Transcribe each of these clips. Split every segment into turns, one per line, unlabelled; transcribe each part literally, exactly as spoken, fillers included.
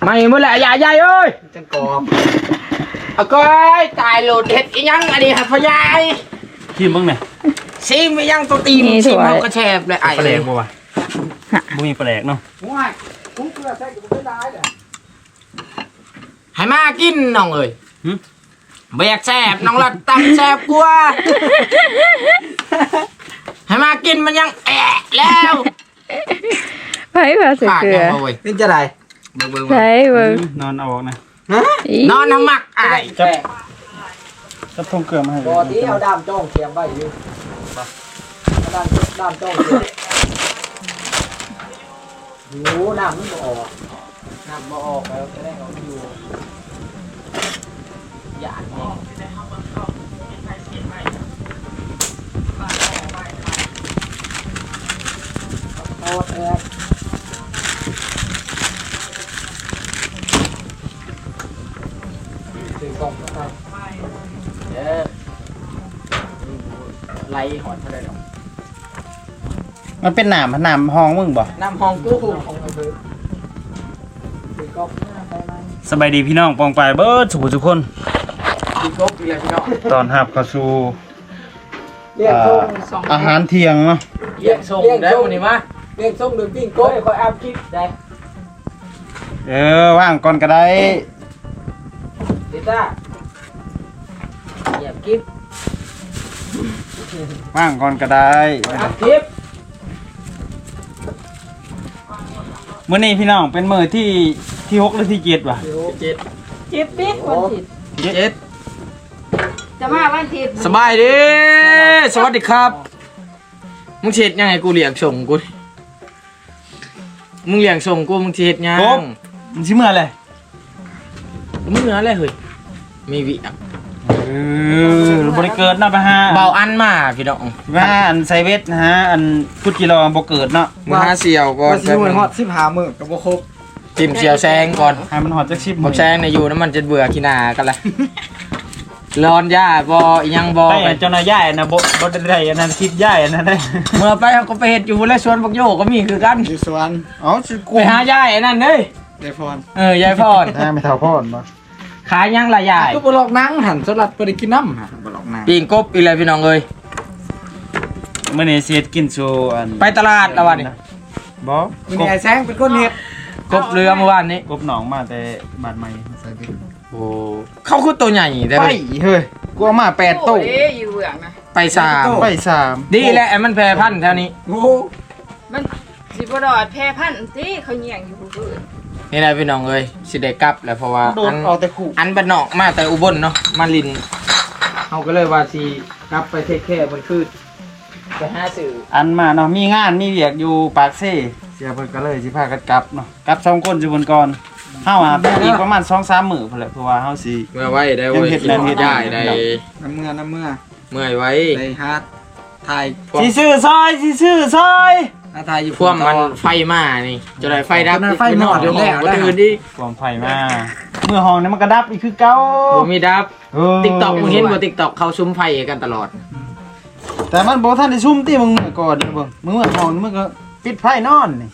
ไม่เมื่อไหร่ใหญ่ใหญ่เอ้ยจังกอบเอาก้อยตายโหลดเห็ดอีหยังอันนี้ครับพ่อใหญ่
ชิมบ้างไหม
ซิมยังตัวตีนซิมเขาก็แฉบเลยไอ้
ปลาแหลกบ่วะบ่มีปลาแหลกเนาะ
ว้ายกุ้งเกลือใส่กุ้งได้เลยให้มากินน้องเอ้ยเบียกแฉบน้องละตำแฉบกลัวให้มากินมันยังแอะแล้ว
ไปพาเสือเกลือ
นี่จะไร
ใช่เบิ้ง
นอนเอาออกนะ
นอนน้ำหมักไอ้
จับจับทงเกลือมาให้
บอที่เอาดามจ้องเทียมไว้อยู่ดามดามจ้องเทียมหูน้ำมันบ่ออกน้ำบ่ออกแล้วจะได้เอาอยู่หยาดเนี่ยโอ้แอ๊คือกล่องนะครับเด้อไล่หอนเท่าไรหรอก
มันเป็นหนามหนามห้องมึงบ่
น้ำห้องกู้ของเราคือคือกล่อง
สบายดีพี่น้องปองปลายเบิร์ดสุขทุกคน
คือกล่องอีกแล้วพี่น้อง
ตอนหับเข้าสู่
เรียกส่ง
อาหารเที่ยงเนาะ
เรียกส่งได้วันนี้มาเรียกส่งหรือปิ้งก้อยคอยอัพคลิปได้
เออว่างก่อนก็ได้
ดิต้าอย่าคลิป
ว่างก่อนก็ได้
อัพคลิป
มื้อนี้พี่น้องเป็นมื้อที่ที่หกหรือที่เจ็ดวะ
เจ็ด
เจ็ดปิ๊กวันทิศ
เจ็ด
จะมาวันทิศ
สบายดีสวัสดีครับมึงเช็ดยังไงกูเลี้ยงส่งกูมึงเลี้ยงส่งกูมึงเช็ดยัง
มึงชิมเมื่อไร
มึงเหนืออะไรเฮ้ยมีวิอ่ะ
เออบริเกิดเนาะไปฮะ
เบาอันมาพี่น้อง
ว่าอันไซเวสนะฮะอันพุทธิโลบ่เกิดเนาะ
มาเสี่ยวก่อน
สิมันฮอดสิบห้ามื้อก็บ่ครบ
จิ้มเสี่ยวแซงก่อน
ให้มันฮอดจักสิบ
บ่แซงในอยู่น้ำมันจะเบื่อขี้หน้ากันละร้อนย่าบ่ยังบ่
ไปเจ้านายย่ายนะบ่บ่ได้อันนั้นคิดย่ายอันนั้นได้
เมื่อไปเขาก็ไปเฮ็ดอยู่และสวนบักโยก็มีคือกัน
อยู่สวน
อ๋อสิ
ไปหาย่ายอันนั้นเด้ย
ยายพร
เออยายพร
ถ้าไม่เท่าพรบ่
ขายยังล่ะยาย
ก็บ่หลอกนางหั่นสลัดบ่ได้กินน้ำหั่นบ่หลอกนาง
ปิ้งกบอีแล้วพี่น้องเอ้ย
มื้อนี้สิเฮ็ดกินสู่อัน
ไปตลาดแล้ววันนี้
บ่
มื้อนี้ไอ้แซงเป็นคนเฮ็ด
กบเรือเมื่อวานนี้
กบหนองมาแต่บ้านใหม่ใส่ดิ
โอ้เขาคือตัวใหญ่ได้
ไปเฮ้ยกูเอามาแปดตู้
เอ้ยอยู่เบื้องนะ
ไปสาม
ไปสาม
ดีแหละมันแพร่พันธุ์แถวนี้
โอ้
มันสิบ่ดอดแพร่พันธุ์ติเขาเหี่ยงอยู่ผู้อื่น
นี่แหละพี่น้องเอ้ยสิได้กลับแล้วเพราะว่าอัน
เอาแต่คู่
อันบ้านนอกมาแต่อุบลเนาะมาลินเขาก็เลยว่าสิกลับไปเทคแค่บนคืนไปหาสื่อ
อันมาเนาะมีงานมีเวียกอยู่ปากเซ่เสียเพิ่นก็เลยสิพากันกลับเนาะกลับสองคนอยู่บนก่อนเฮาอ่ะอีกประมาณ สองสาม มื้อพุ่นแหละเพราะว่าเฮาสิ
เมื่อไว้ได้เว้ยคิดได้ได้
น้ำเมื่อน้ำเมื่อ
เมื่อยไว้
ได้ฮาร์ดถ่าย
สิซื้อซอยสิซื้อซอย
ถ้าถ่ายอยู่
พวกมันไฟมานี่จะได้ไฟดับ
ไฟหมดอยู่แล้วแล้ว
ตื่นดิ
ความไฟมาเมื่อห้องนี้มันก็ดับอีกคือเก่า
บ่มีดับ TikTok มึงเห็นบ่ TikTok เขาซุ้มไฟกันตลอด
แต่มันบ่ทันได้ซุ่มติมึงเมื่อก่อนเบิ่งมึงเมื่อห้องมึงก็ปิดไฟนอนนี่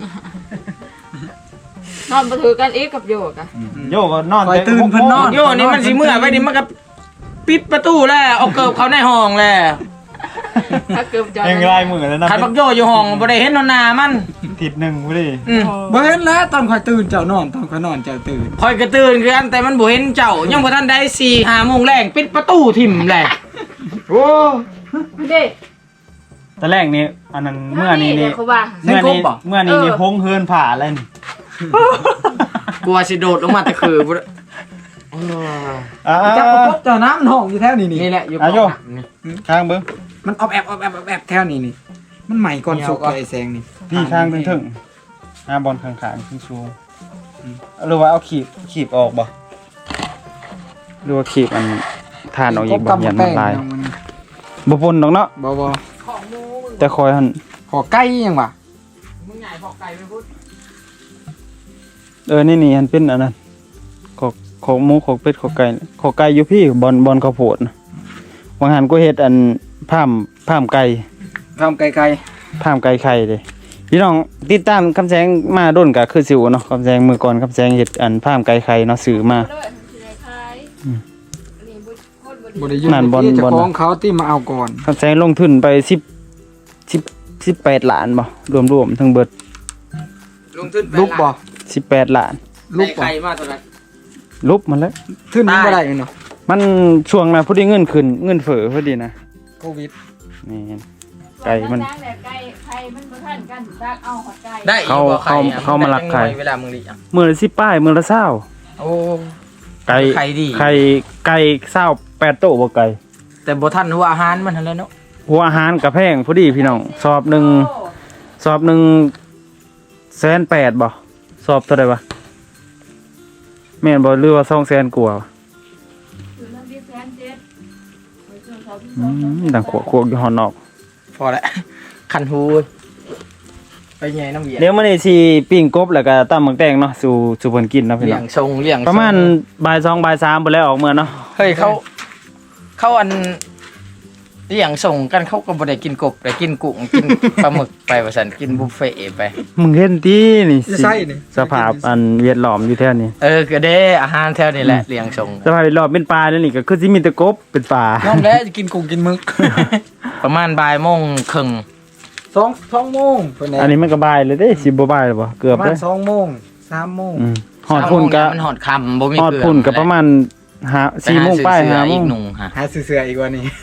นอนบ่ถือกันอีกกับโยกอ่ะ
โยก็นอน
ตื่นเพิ่นนอน
โยนี่มันสิเมื่อไว้นี่มันก็ปิดประตูแล้วเอาเกิบเขาในห้องแล้ว
ถ้าเกิบจอด
ยังไงมื้อแล้วนะ
คันบักโยอยู่ห้องบ่ได้เห็นหน้ามัน
ทิศนึงบ่ดิ
อือ
บ่เห็นแล้วตอนค่อยตื่นเจ้านอนตอนค่อยนอนเจ้าตื่น
ค่อยก็ตื่นคือกันแต่มันบ่เห็นเจ้ายังบ่ทันได้ สี่ห้า โมงแรงปิดประตูทิ่มแหละโอ้
เด้
ตอนแรกนี่อันนั้นเมื่อนี้นี่เมื่อนี้เมื่อนี้นี่พงเฮินผ่าอะไรนี่
กลัวสิโดดลงมาแต่คือบ่
อ่าจับกบเจ้าน้ำมันห้องอยู่แถวนี้นี่
นี่แหละอยู่
ข้างเบิ่ง
มันออบแอบออบแอบออบแอบแถวนี้นี่มันใหม่ก่อนสุกไอ้แซงนี่
พี่ข้างถึงๆอ่าบอลข้างๆขึ้นสูงหรือว่าเอาขีบขีบออกบ่หรือว่าขีบอันทานออกอีกบ่ยันมันลายบ่ปนดอกเนาะ
บ่บ่
แต่คอยหั่น
ขอไก่ยังวะ
มึงใหญ่ขอไก่ไปพุด
เออนี่นี่มันเป็นอันนั้นขอขอหมูขอเป็ดขอไก่ขอไก่อยู่พี่บอลบอลข้าวโพดนะบางหันก็เฮ็ดอันพามพามไก่
พามไก่ไก่
พามไก่ไข่เด้พี่น้องติดตามคำแสงมาโดนก็คือสิวเนาะคำแสงมือก่อนคำแสงเฮ็ดอันพามไก่ไข่เนาะซื้อมา
เลยสิได้ขาย
อืม
อันนี้บ่โคตรบ่
บ่
ดี
ได้อยู่
นั่นบอล
ที่เจ้า
บอล
ของเขาที่มาเอาก่อน
คำแสงลงทุนไปสิบ สิบ สิบแปดล้านบ่รวมๆทั้งเบิด
ลงทุนไป
ลูกบ่
สิบแปดล้าน
ลูก
ได้
บ่
ไข่มาเท่าไหร่
ลุบมันแล้ว
ขึ้นบ่ได้เนาะ
มันช่วงน่ะพอดีเงินขึ้นเงินเฟ้อพอดีนะ
โควิด
นี่ไก่มัน
จ้างแต่ไก่ไข่มันบ่ทันกันซักเอาหอดไก่
ได้อีก
เขา
บ่ไข่อะ
เขาเขามาลักไข่
เวลามึงดิอ่ะ
มื้อละสิบป้ายมื้อละเช้า
โอ้
ไก่
ไข่ดี
ไข่ไก่เช้าแปดโต๊ะบ่ไก่
แต่บ่ทันหัวอาหารมันหั่นแหละเนาะ
หัวอาหารก็แพงพอดีพี่น้องสอบหนึง
โอ้
สอบหนึ่งแสนแปดบ่สอบเท่าไหร่วะแม่นบ่หรือว่าสองแสนกว่า
คือเรื่องที่แสนเจ็ดไปจนเขาที่
อื
สอง
มดังขวกขวกอยู่หอนนอก
พอแล้วคันหูไปใหญ่น้ำเวียน
เดี๋ยวมื้อนี้สิปิ้งกบแล้วก็ตำหมักแตงเนาะสู่สู่เพิ่นกินเนาะพี่
เลี้
น้
ย
อง
งทรงเลี้ยงทง
ประมาณบ่ายสองบ่ายสามพุ่นแล้วออกเมื่อเนาะ
เฮ้ยเขาเขาอันเลี้ยงส่งกันเขาก็บ่ได้กินกบแต่กินกุ้งกินปลาหมึกไปว่าซั่นกินบุฟเฟ่ต์ไป
มึงเห็นตินี่
จะ
สิ
ใช่นี่
สภาพอันเวียดล้อมอยู่แถวนี้
เออก็เด้อาหารแถวนี้แหละเลี้ยงส่ง
สภาพเวียดล้อมเป็นป่าแล้วนี่ก็คือสิมีแต่กบเป็นป่า
น้องแล้วจะกินกุ้งกินหมึก
ประมาณบ่ายโมงครึ่ง
สอง สองโมงเพิ่น
อันนี้มันก็บ่ายเลยเด้สิบ่บ่ายเลยบ่เกื
ป
อบ
ระมา
เล
ณ
ย
สองโมงสามโมง
อืมฮอดพุ่นก็
มันหอดค่ำบ่มี
ฮอด
เกลือ
พุ่นก็ประมาณห้าสี่โมงป้ายห้าโม
อี
ง
กหนุ่งฮะ
หาซื้อเสื้ออีกว่านี้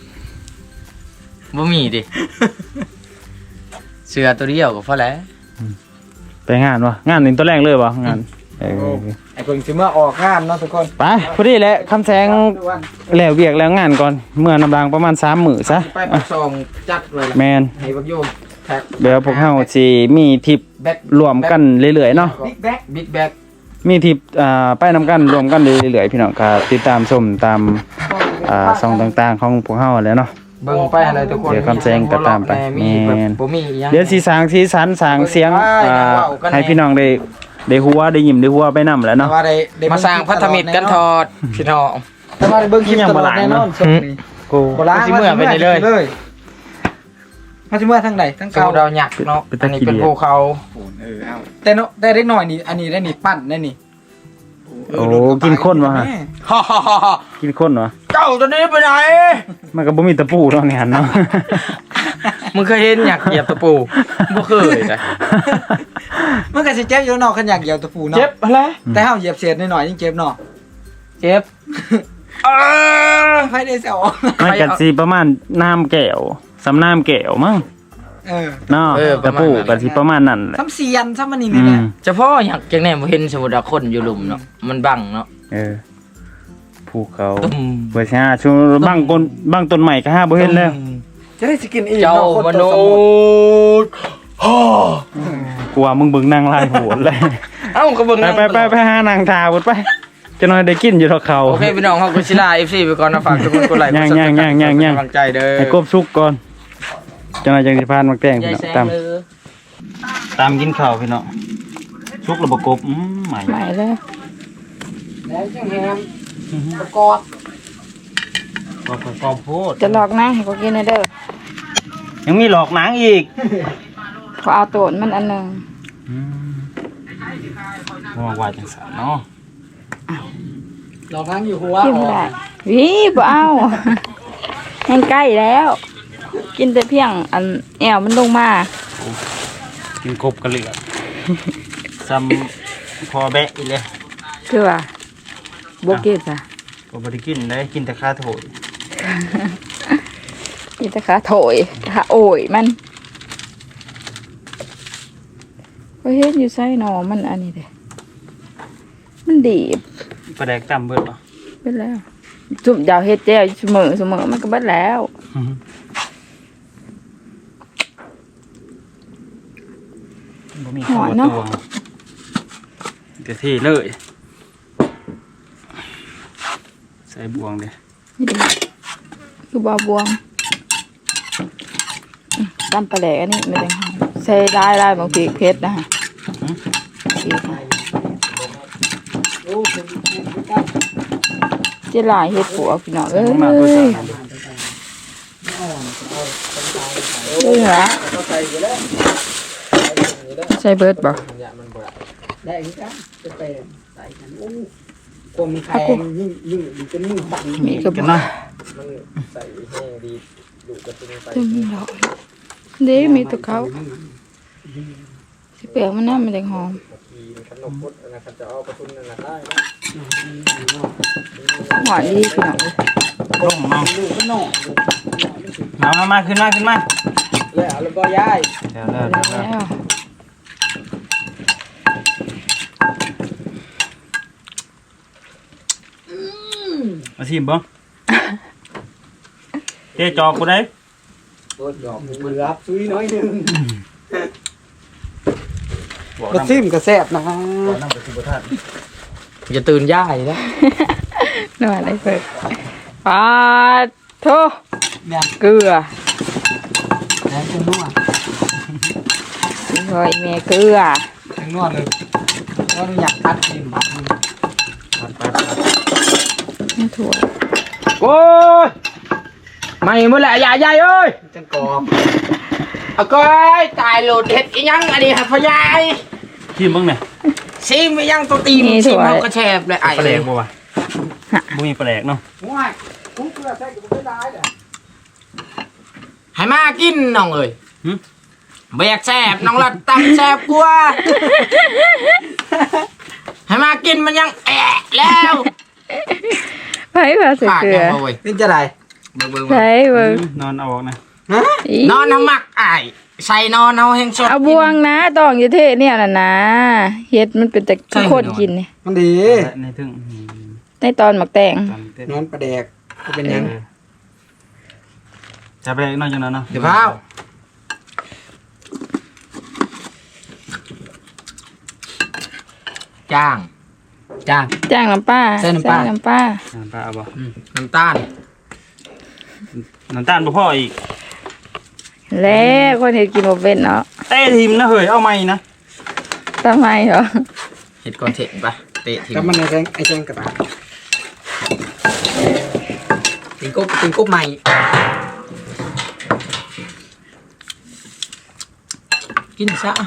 บ่มีดิเสือตัวเดียวก็พอแล้ว
ไปงานวะงานนี่ตัวแรกเลยวะงานเออ
ไอ้เพิ่งสิเมื่อออกงานเนาะทุกคน
ไปพอดีแหละคำแสงแล้วเวียกแล้วงานก่อนเมื่อนำรางประมาณสามมื้อซะ
ไปปักซองจัดเลย
แมน
ให้บักโยมแท็ก
เดี๋ยวพวกเฮาสิมีทริป
แบ็ค
รวมกันเรื่อยๆเนาะ
บิ๊กแบ็คบิ๊กแบ็ค
มีทริปอ่าไปนำกันรวมกันเรื่อยๆพี่น้องก็ติดตามชมตามอ่าช่องต่างๆของพวกเฮาแหล้วเนาะ
เบิ่งไปอะไรทุกคน
เดี๋ยวคำแซงก็ตามไป
มีแบบ
แม่น
บ่มีอีหยัง
เดี๋ยวสิสร้างสีสันสร้างเสียงอ่าให้พี่น้องได้ได้ฮู้ว่าได้ยิ้มได้ฮู้ว่าไปนำแหล้ว
แต่
เนาะ
ว่าได้ได้
มาสร้างพัฒมิตรกันทอดพี่น้อง
แต่ว่าได้เบิ่งคลิปตลอดแน่นอน
ยังบ่ล้างเนอะ
สดนี่
กู
บ่ล้าง
สิเมื่อไปเลย
เลยมาสิเมื่อทางใดทาง
เก่า
เก่า
ดาวหยักเนาะ
เป็นตะ
อันนี้
ขี้
เป็น
เดียด
ภูเขา
เออเอาแต่เนาะได้เล็กน้อยนี่อันนี้ได้นี่ปั้นได้นี่
โอ้กินข้นวะฮะ
ฮ่าฮ่าฮ่าฮ่า
กินข้นวะ
เจ้าตัวนี้ไปไหน
มันก็บ่มีตะปูเนาะเนี่ยเนาะ
มึงเคยเห็นหยักเหยียบตะปูบ่เคยนะ
มันก็สิเจ็บอยู่เนาะคันอยากเหยียบตะปูเนาะ
เจ็บอะไร
แต่เฮาเหยียบเศษหน่อยๆยังเจ็บเนาะ
เจ็บเออ
ไฟได้เสียว
มันก็สิประมาณน้ำแก้วสำน้ำแก้วมั้ง
เออ
เนาะตะปูก็สิประมาณนั้นแหละ
ซ้ำเสียนซ้ำมันนี่
อื
นี่แหละ
ม
เฉพาะหยักจังแน่บ่เห็นสมุดาคนอยู่หลุมเนาะมันบังเนาะ
เออภูเขา
ตุ้ม
เบ่ใช่ช่วงบางต้นบางต้นใหม่ก็หาบ่เห็นแล้ว
จะได้สิกินอีก
เจ้า
เนาะคน
ม
ตัว
นุ
สมุทร
ษย์ฮ่าก
ลัวมึงเบิ่งนางลายโหดเลย
เอ้าก็เบิ่ง
ไป
นั่น
ไปไปไปหานางทาบุดไปจะน้อยได้กินอยู่เท่าเขา
โอเคพี่น้องเฮาก็สิลา เอฟ ซี ไปก่อนนะฝากทุกคนกดไลค์กด
ย่าง
ซับ
ย่างย่างย่างย่าง
กำลังใจเด้อ
ให้กบสุกก่อนจะน้อยจังสิพานมักแตง
ยา
พี่
ย
น้อง
แซง
ตาม
เลย
ตามกินข้าวพี่น้องสุกแล้วบ่กบอืมใหม่
ไหนเลย
แล้วจังแฮมประกอบ
ก็ประกอบโพด
จะหลอกนะให้เขากินให้เด้อ
ยังมีหลอกหนังอีก
เขาเอาโตนมันอันหนึง
อืมว่าว่าจังซั่นเนาะ
เรานั่งอยู่หัว
กินไม่ได้วิบ่เอา แห้งใกล้แล้ว กินแต่เพียงอันแอวมันลงมา
กินกบกระเหลือกซ้ำพอแบะอีกเลย
คือว่าบ่กินจ้ะ
ก็บ่ได้กินได้กินแต่ข้าโถย
กินแต่ขาโถยขาโอยมันก็เฮ็ดอยู่ไสหนอมันอันนี้เด้มันดีบ
ปลาแดกตำเบิดบ่
เบิดแล้วจุ่มยาวเฮ็ดแจ้วเสมอเสมอมันก็เบิดแล้ว
บ่มีข้าวตวงเดี๋ยวที่เลยใส่บวงเด้
นี่เด้คือบ่บวงอืมตำปลาแหลกอันนี้ไม่ได้หอมใส่ได้ได้บางทีเผ็ดนะฮะพริกนะเจะลายเฮ็ดปัวพี่น้องเอ้ย
มากกว่าสาม
เอ้ยเหรอใส่เบิดบ่
อย่ามันบ่ได้
ได้คือกันจะเป็นใส่กันโอ้กลมแข็งยิ่งยิ่งดีจนยิ่งบัง
มีกระ
กัน
บอก
เนาะ
มันใส่แห้งดีดูกระตุ้นไป
ตึงดอกเด้มีแตัวเขาสิเปลือกมันน่ามันแดงหอม
ทีขนมพุทธนะครับจะเอากระตุ้นนั่นได้
หวานดีพี่น้อง
ร่มเนาะ
ดูก็นอก
มามามาขึ้นมาขึ้นมา
แล้วแล้วก็ย้าย
เดี๋ยวเดี๋ยวเดี๋ยวเดี๋ยว
แล้ว
มาชิมบ่เจ๊จอกกูได้
โอ้ยดอกเบือบซุยน้อยนึง
บอก
ก็
น้ำ
ซิมก็แซ่บนะ
บอกน้ำไปสิบ่ทัน
อย่าตื่นย่ายนะ
นวดได้เพิ่นปาดโท
เนี่ย
เกลือ
แล้วจะนวด
ซอยแม่เกลือ
จะนวดเลยว่าอยากคัดกินบักมัน
ไม่ถั่ว
โอ้ยไม่เมื่อไหร่ยายยายเอ้ย
จังกอบ
เอาก้อยตายโหลดเห็ดอีหยังอันนี้ครับพ่อยาย
ชิมเบิ่งเนี่ย
ซิมไปยังตัวตีนซิมเขากระแชบเลยไอ้
ปลาแดกบ่วะบ่มีปลาแดกเนาะ
ว้ายคุ้มเกลือใส่กับไม่ได้เลย
ให้มากินน้องเอ้ยแบกแสบน้องรัดตับแสบกลัวให้มากินมันยังแอะแล้ว
ไผพาใส่
ขาด
เกลื
ยั
อง
บ่เว้ย
นี่จะไร
เบิ่งเบิ่ง
ใส่เบิ่ง
นอนเอาออกนะ
ฮะ
อี
นอนน้ำหมักไอ้ใส่นอนเอาแห้งสด
เอาบวงนะตองอยู่เทเนี่ยน่ะนะเฮ็ดมันเป็นแต่โคตรกินนี่
มันดี
ในถึง
ในตอนหมักแตง
ตอนเต้น
นอนประแดกก็เป็นยัง
จะไปนอนจังนั้นเนาะ
เดี๋ยวพาวจ้างจ้าง
จ้างน้ำปลา
ใส่น้ำปลา
ใส่น้ำปลา
น้ำปลาเอาบ่
อืมน้ำตาล
น้ำตาลบ่พออีก
แล้วคนเฮ็ดกินบ่เป็นเนาะ
เต้ทีมนะเฮ้ยเอาใหม่นะ
ทำไมเหรอ
เห็ดก่อนเถะปะเตะทิ้ง
ก็มันไอ้แจงไอ้แจงกระตาติงกบติงกบใหม่
กินซะ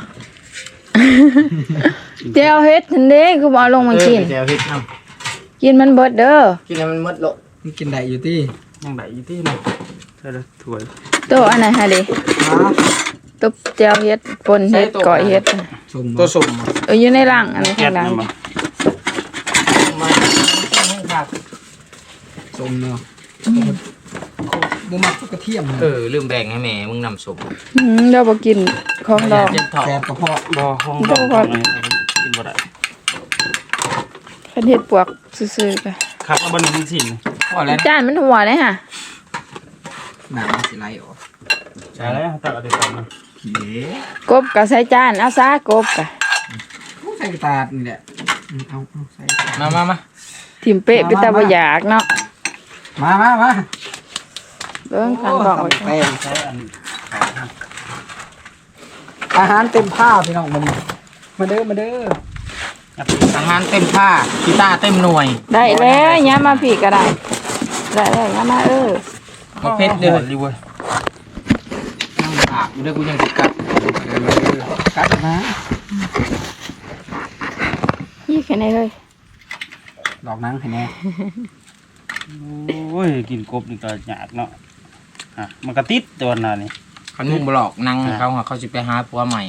เจียวเฮ็ดนั่นเด้คือบ่เอาลงมากิน
เดี๋ยวเห็ดเอา
กินมันเบิดเด้อ
กินแล้วมันมดโล
มันกินได้อยู่ที่
ยังได้อยู่ที่เนาะใช่แล้วถ้วย
โตอันไหนฮะเด้ตุบเจียวเฮ็ดปนเฮ็ดก้อยเฮ็ด
ชม
ตัวสุ่ม
เอออยู่ในร่างอันนี้
แก๊
ข้า
ส
งหลัง
นั่นบ่
มาครับ
ชมเนาะบุมักกระเทียม
เออลืมแบ่งให้แม่มึงนำสุ่ม
อืมเราบ่กินของดอง
เจ็บท้อง
แซ่บกระเพาะ
บ่ห้องดอกของนี่กินบ่ได้
คันเฮ็ดปวกซื่อๆก็
ครับเอาบ่หนึ่งสิ่ง
พอแล้ว
จานมันหัวเลยค่ะ
หนาสิไรออก
ใช่แล้วตักเอาไปก่อนนะ
เก๋
กบก็ใส่จานเอาซะกบก็
ใส่กระตาดนี่แหละเอาเอาใส่
มามามา
ทิ่มเป๊ะไปแต่บ่อยากเนาะ
มามามา
เบิ่งคันบอกไว้
แป้ง
ใช้อัน
อาหารเต็มผ้าพี่น้องมันมาเด้อมาเด้อ
อาหารเต็มผ้ากีตาร์เต็มหน่วย
ได้แล้วย้ามาพี่ก็ได้ได้แล้วย้ามาเออ
มาเพชรเลย
ดีเว้ย
นั่งอาบอยู่ด้วยกูยังติดกัด
กัดนะ
ยี่แค่ไหนเลย
ดอกนังให้แน่
โอ้ยกินกบนี่ก็ยากเนาะอ่ะมันก็ติดตัวน่ะนี่
เขานุ่มบลอกนั่งเขาหาเขาจะไปหาผัวใหม่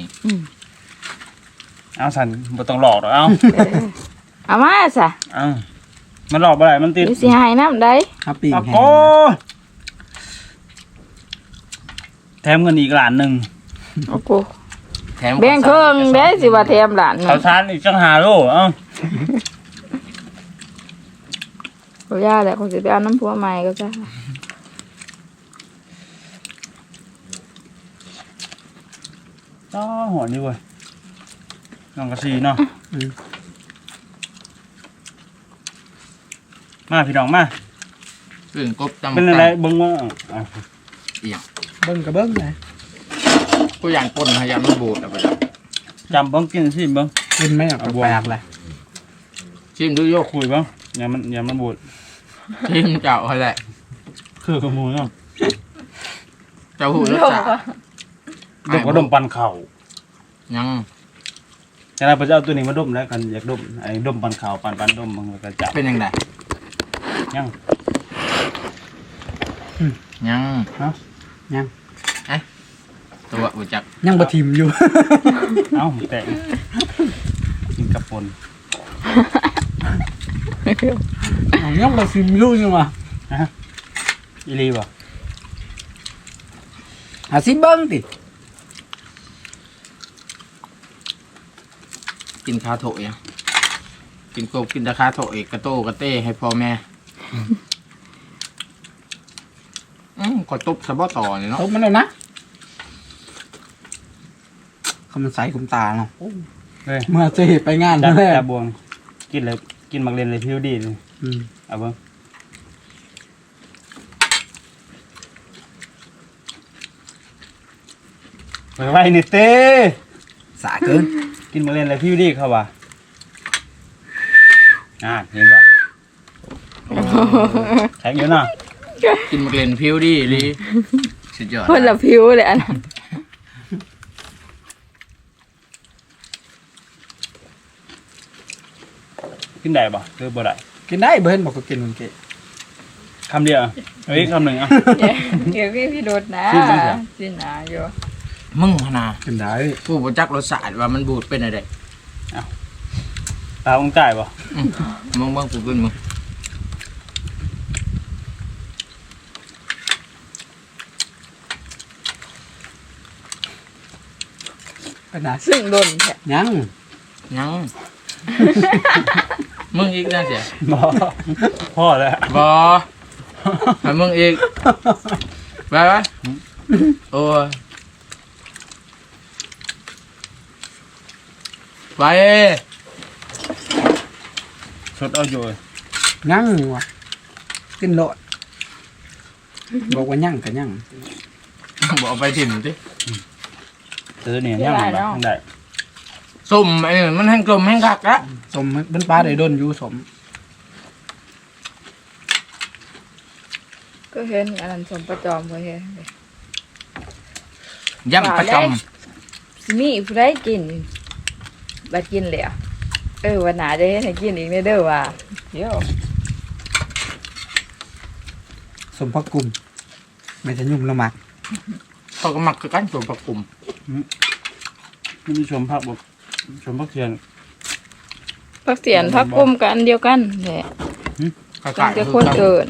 เอาสันบ่ต้องหลอกดอกเอา
เอามาซะ
เอามันหลอกบ่ได้มันติด
อยู่สิหายน้ำได้
ฮับปิ้ง
เอา
แห้
โอ้
ง
แถมเงินอีกล้านหนึง
โอ้โห
แถม
แบ่งเครื่องเด้สิว่าแถมหลาน
ข้าวสารอีกจังหาโลเอ้า
บ่ย่าแหละคงสิไปเอาน้ำผัวใหม่ก็จ้ะ
อ๋อหอนนี่เว้ยน้องกระซีเนาะมาพี่น้องมา
เรื่องกบจำ
เป็นอะไรเบิ่งว่าอ่ะ
เบิ้งกับเบิ้งไง
กูอยากปนพยายามมันบูดเอาไปแล้ว
จำเบิ่งกินสิเบิ่ง
กินไหมอ่ะแปลกเลย
ชิมดูโยก
คุยเบิ่งอย่ามันอย่ามันบูด
ชิมเจ้าเขาแหละ
คือขโมยเนาะ
เจ้าหูรสชาติ
เด็กก็ดมปันเข่า
ยัง
จะได้พระเจ้าตัวนี้มาดมแล้วกันอยากดมไอ้ดมปันขาวปันปันดมมันก็จับ
เป็นยังไง
ยัง
ยัง
ฮะ
ยัง
ตัวอุจัก
ยังบ่ทิมอยู่
เอ้าแตกกินกับปน
ยังบ่ทิมอยู่ยังวะ
ฮะอีลีบ่
หาสิเบิ่งติ
กินคาโถยกินกบกินตะคาโถยกระโตกระเต้ให้พ่อแม่อืมก็ตุบสะบอต่อเลยเนาะ
ตบมันแล้วนะคำมันใสคุมตาเนาะ
เฮ้ย
เมื่อจะไปงาน
จับ
แรก
จับบวงกินเลยกินมักเรียนเลยผิวดีเลย
อืม
เอาเบิ่งไปไว้นี่เต้
สาเกิน
กินมักเรียนเลยผิวดีเขาว่าอ่าเห็นบ่แข็งอยู่นะ
กินมะเร็งผิวดีลีสุดยอด
คนละผิวเลยอันนั้น
กินได้บ่หรือบ่ได้
กินได้เบิ่นบอกก็กินมันเกะ
คำเดียวอ่ะเฮ้ยคำหนึ่งอ่ะ
เดี๋ยวพี่พี่โดดนะ
ขึ้นบ้างเหรอ
สินะอยู่
มึงขนา
กินได้
ผู้บจักรสชาติว่ามันบูดเป็นอะไร
ตาองจ่ายบ่
มึงเบิ่งกูกินมึง
เป็นไง
ซึ่งโดนแท้
ยัง
ยัง มึงอีกนะเสีย
บ่พ่อแล้ว
บอให้มึงอีกไปไปโอ้ยไป
สดเอาอยู่
ยังวะกินโลดบอกว่ายังก็ยัง
บอกไปถิ่มสิ
ซื้อเนี่ยย่างมันแบบได้
ส้มไอ้นี่มันแห้งกลมแห้งคักละ
สมเป็นปลาได้โดนอยู่สม
ก็เห็นอันนั้นสมประจอมก็เห็น
ย่ำประจ
สิมีผู้ใดกินบัดกินแล้วเออวันหนาจะเฮ็ดให้กินอีกเด้อว่าเดี๋ยว
สมพักกลุ่มไม่จะยุ่มละมัก
ำเขาก็มักคือกันส่วนประกุม
ไม่มีชมผักบ่ชมผักเทียน
พักเสียนพักกุมกันเดียวกันแหละ
เขา
ตั้
ขาง ย
แต่
คื
คน
อกัน
เกิน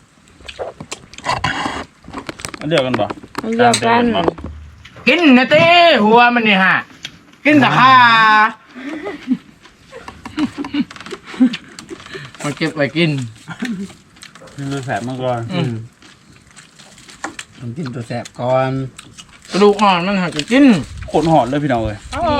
อันเดียวกันบ่
อันเดียวกัน
กินนะเต้หัวมันนี่ฮะกินแต่ข้ามันเก็บไว้กิน
นี่มันแสบมากก่อน
อืม
ผมกินตัวแสบก่อน
กระดูกอ่อนมันหักจะกิน
โคตรหอดเลยพี่น้องเอ้ย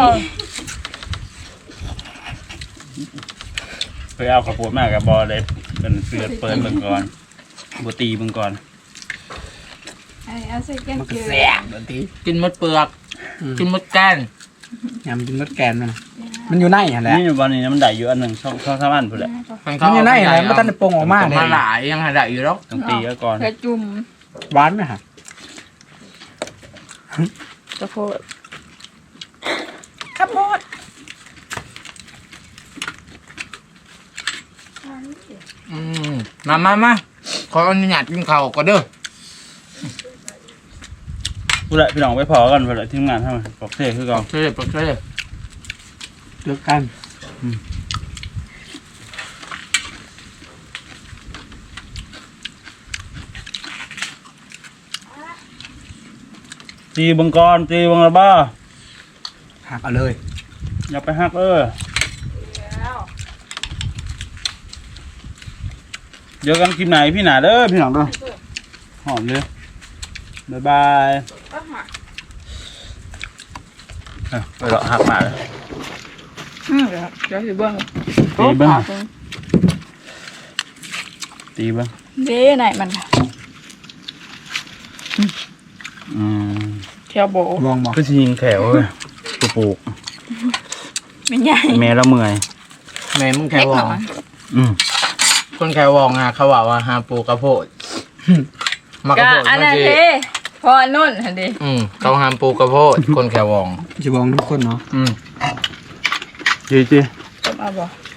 เคยเอาข้าวโพดมากกับบอเลยเป็นเปิดเปิดเบิ่งก่อนบ่ตีเบิ่งก่อน
ไอ้เอาใส่แกง
มันก็
เกลื
แส
อบ
แบบนี้
กินมดเปลือก กินมดแกน
ยำกินรสแกนมันมันอยู่ในหั่นแหละ
นี่วันนี้มันได้อยู่อันหนึ่งช่องช่องสามอันพุ่นแหละ
มัน
มันอยู่ในหั่นแหละมันทันได้ปรุงออกมาเลย
มาหลายยังหาได้อยู่แล้ว
ต้องตีเอาก่อน
กระจุ่ม
หวานไหมฮะ
กระโพด
ครับโมด
อืมมามามาขออนุญาตกินข้าวก่อนเด้อ
พุ่นแหละพี่น้องไปพอกันพุ่นแหละทีมงานทำไมบอกเท่คือก่อน
เช่ปกเช่
เลือกกัน
ตีเบิ่งก่อนตีเบิ่งละบ้า
หักเอาเลย
อย่าไปหักเออเดี๋ยวกันคลิปไหนพี่หนาเด้อพี่น้องเด้อหอมเลยบ๊ายบายเอ้าไปเลาะหักมาเลย
อืมเดี๋ยวเดี๋ยวสิเบิ่ง
ตีเบิ่งตีเบิ่ง
เด้ไหนมันค่ะ
อืม
เที่ยวโบ
ลองบอก
ก็สิยิงแถวเว้ยปลูก
ไม่ใหญ่
แม่ละเมื่อย
แม่มึงแค่
เล็ก
ว
ห
อ
น่
ง
อย
อืม
คนแค่วองอ่ะเขาว่าว่าหาปูกระโพดมากระ
ก็
โพด
อัน
มา
นั้น
สิ
เด้พอนุ่นหันดิ
อืมเขาหามปูกระโพดคนแค่วอง
จะบอกทุกคนเนาะ
อืม
ดีจี
ต้มเอาบ่